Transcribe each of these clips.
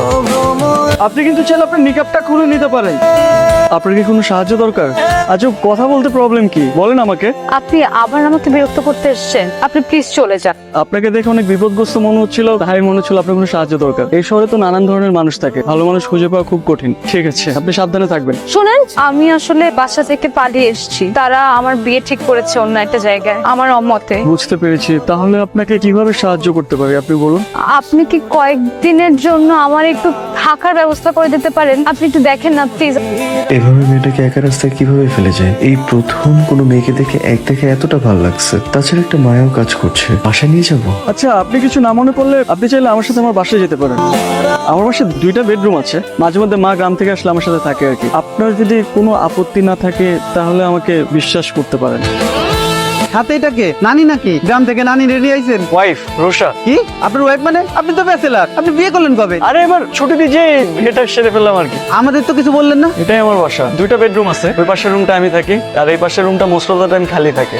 আপনি কিন্তু চাইলে আপনার নিকাবটা খুলে নিতে পারেন। আপনার কি কোনো সাহায্য দরকার? আচ্ছা, কথা বলতে প্রবলেম কি বলেন আমাকে। আপনি আবার আমাকে বিরক্ত করতে এসেছেন, আপনি প্লিজ চলে যান। আপনাকে দেখে অনেক বিপদগ্রস্ত মনে হচ্ছিল, তাই মনে হচ্ছিল আপনার কোনো সাহায্য দরকার। এই শহরে তো নানান ধরনের মানুষ থাকে, ভালো মানুষ খুঁজে পাওয়া খুব কঠিন। ঠিক আছে, আপনি সাবধানে থাকবেন। শুনেন, আমি আসলে বাসা থেকে পালিয়ে এসেছি। তারা আমার বিয়ে ঠিক করেছে অন্য একটা জায়গায় আমার অমতে। বুঝতে পেরেছি। তাহলে আপনাকে কিভাবে সাহায্য করতে পারি আপনি বলুন। আপনি কি কয়েকদিনের জন্য আমার একটু থাকার ব্যবস্থা করে দিতে পারেন? আপনি একটু দেখেন না প্লিজ। এভাবে মেয়েটাকে একা রাস্তায় কিভাবে ফেলে যায়? এই প্রথম কোনো মেয়েকে দেখে দেখে এতটা ভালো লাগছে। তাছাড়া একটা মায়াও কাজ করছে। বাসায় নিয়ে যাবো। আচ্ছা, আপনি কিছু না মনে করলে আপনি চাইলে আমার সাথে আমার বাসায় যেতে পারেন। আমার বাসায় 2টা বেডরুম আছে। মাঝে মধ্যে মা গ্রাম থেকে আসলে আমার সাথে থাকে আর কি। আপনার যদি কোনো আপত্তি না থাকে তাহলে আমাকে বিশ্বাস করতে পারেন। হাতে এটাকে নানি নাকি? গ্রাম থেকে নানি রেডি আইছেন? ওয়াইফ রোশা। কি আপনার ওয়াইফ মানে? আপনি তো ব্যাচেলার, আপনি বিয়ে করলেন কবে? আরে এবার ছুটি দিয়ে যে এটা সেরে ফেললাম আর কি। আমাদের তো কিছু বললেন না। এটাই আমার বাসা। 2টা বেডরুম আছে। ওই পাশের রুমটা আমি থাকি আর এই পাশের রুমটা মোস্ট অফ দ্য টাইম খালি থাকে।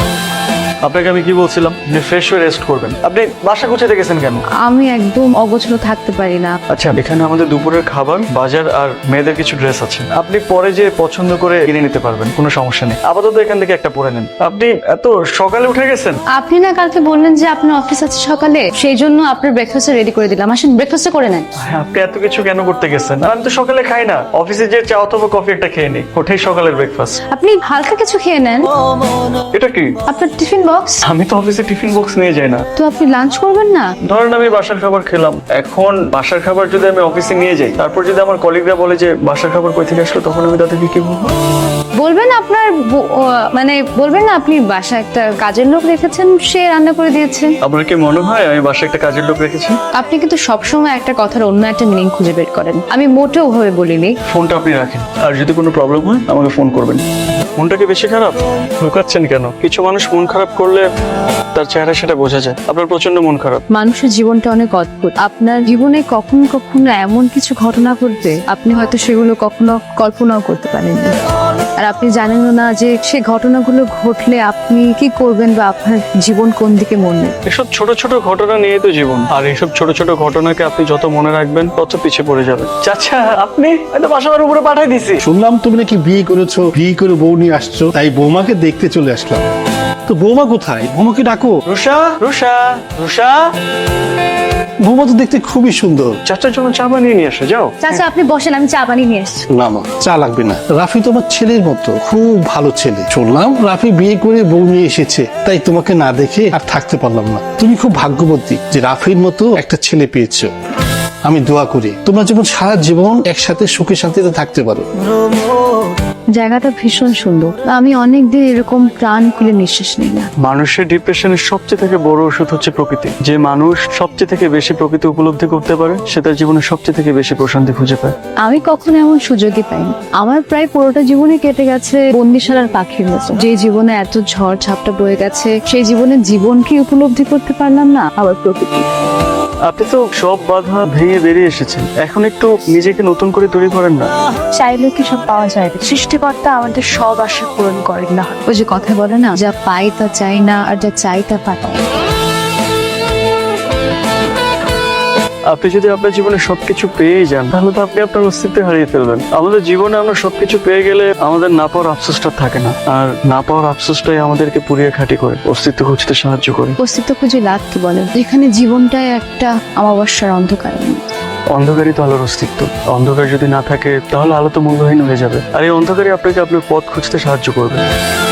আপনাকে আমি কি বলছিলাম যে ফ্রেশ হয়ে রেস্ট করবেন। আপনি বাসা গুছাতে গেছেন কেন? আমি একদম অগোছলো থাকতে পারি না। আচ্ছা, এখানে আমাদের দুপুরের খাবার, বাজার আর মেয়েদের কিছু ড্রেস আছে। আপনি পরে যে পছন্দ করে কিনে নিতে পারবেন, কোনো সমস্যা নেই। আপাতত এখান থেকে একটা পরে নেন। আপনি এত সকালে উঠে গেছেন? আপনি না কালকে বললেন যে আপনার অফিস আছে সকালে, সেই জন্য আপনার ব্রেকফাস্ট রেডি করে দিলাম। আসেন ব্রেকফাস্ট করে নেন। হ্যাঁ, আপনি এত কিছু কেন করতে গেছেন? আর আমি তো সকালে খাই না। অফিসে যে চা অথবা কফি একটা খেয়ে নিই, ওটাই সকালের ব্রেকফাস্ট। আপনি হালকা কিছু খেয়ে নেন। এটা কি? আপনার টিফিন বক্স। আমি তো অফিসে টিফিন বক্স নিয়ে যাই না। তো আপনি লাঞ্চ করবেন না? ধরেন আমি বাসার খাবার খেলাম, এখন বাসার খাবার যদি আমি অফিসে নিয়ে যাই, তারপর যদি আমার কলিগরা বলে যে বাসার খাবার কই থেকে আসলো, তখন আমি তাদেরকে কি বলবো? বলবেন আপনার মানে বলবেন না আপনি বাসায় একটা কাজের লোক রেখেছেন, সে রান্না করে দিয়েছে। আপনার কি মনে হয় আমি বাসায় একটা কাজের লোক রেখেছি? আপনি কিন্তু সবসময় একটা কথার অন্য একটা মিনিং খুঁজে বের করেন। আমি মোটেও ওভাবে বলিনি। ফোনটা আপনি রাখেন, আর যদি কোনো প্রবলেম হয় আমাকে ফোন করবেন। মনটা কি বেশি খারাপ? লুকাচ্ছেন কেন? কিছু মানুষ মন খারাপ করলে তার চেহারা সেটা বোঝা যায়। আপনার প্রচন্ড মন খারাপ। মানুষের জীবনটা অনেক অদ্ভুত। আপনার জীবনে কখনো কখনো এমন কিছু ঘটনা ঘটবে, আপনি হয়তো সেগুলো কখনো কল্পনাও করতে পারেননি। আর আপনি জানেনও না যে সে ঘটনাগুলো ঘটলে আপনি কি করবেন বা আপনার জীবন কোন দিকে মন নেবে। এসব ছোট ছোট ঘটনা নিয়ে তো জীবন, আর এইসব ছোট ছোট ঘটনাকে আপনি যত মনে রাখবেন তত পিছিয়ে পড়ে যাবেন। চাচা, আপনি হয়তো বাসার উপরে পাঠিয়ে দিছি। শুনলাম তুমি নাকি বিয়ে করেছো, বিয়ে করে বউ নিয়ে আসছো, তাই বৌমাকে দেখতে চলে আসলাম। তো বৌমা কোথায়? বৌমাকে ডাকো। রুষা, রুষা, রুষা। বৌমা তো দেখতে খুবই সুন্দর। চাচার জন্য চা বানিয়ে নিয়ে আসো, যাও। চাচা আপনি বসেন, আমি চা বানিয়ে নিয়ে এসেছি। না না, চা লাগবে না। রাফি তোমার ছেলের মতো, খুব ভালো ছেলে। শুনলাম রাফি বিয়ে করে বউ নিয়ে এসেছে, তাই তোমাকে না দেখে আর থাকতে পারলাম না। তুমি খুব ভাগ্যবতী যে রাফির মতো একটা ছেলে পেয়েছো। আমি দোয়া করি তোমরা যেমন সারা জীবন একসাথে সুখে শান্তিতে থাকতে পারো। জায়গাটা ভীষণ সুন্দর। আমি অনেকদিন এরকম প্রাণ খুলে নিঃশ্বাস নিই না। মানুষের ডিপ্রেশনের সবচেয়ে থেকে বড় ওষুধ হচ্ছে প্রকৃতি। যে মানুষ সবচেয়ে থেকে বেশি প্রকৃতি উপলব্ধি করতে পারে, সে তার জীবনে সবচেয়ে থেকে বেশি প্রশান্তি খুঁজে পায়। আমি কখনো এমন সুযোগই পাইনি। আমার প্রায় পুরোটা জীবনে কেটে গেছে বন্দিশালার পাখির মতো। যে জীবনে এত ঝড় ঝাপটা বয়ে গেছে, সেই জীবনে জীবনকে উপলব্ধি করতে পারলাম না, আবার প্রকৃতি। আপনি তো সব বাধা ভেঙে বেরিয়ে এসেছেন, এখন একটু নিজেকে নতুন করে তৈরি করেন না। চাইলে কি সব পাওয়া যায় না? সৃষ্টিকর্তা আমাদের সব আশা পূরণ করেন না। ওই যে কথা বলে না, যা পাই তা চাই না, আর যা চাই তা পাই। আপনি যদি আপনার জীবনে সবকিছু পেয়ে যান, তাহলে তো আপনি আপনার অস্তিত্ব হারিয়ে ফেলবেন। আমাদের জীবনে আমরা সবকিছু পেয়ে গেলে আমাদের না পাওয়ার আফসোসটা থাকে না, আর না পাওয়ার আফসোসটাই আমাদেরকে পুড়িয়ে খাঁটি করে অস্তিত্ব খুঁজতে সাহায্য করে। অস্তিত্ব খুঁজে লাভ কি বলেন, যেখানে জীবনটাই একটা অমাবস্যার অন্ধকার। অন্ধকারই তো আলোর অস্তিত্ব। অন্ধকার যদি না থাকে তাহলে আলো তো মূল্যহীন হয়ে যাবে, আর এই অন্ধকারই আপনাকে আপনার পথ খুঁজতে সাহায্য করবে।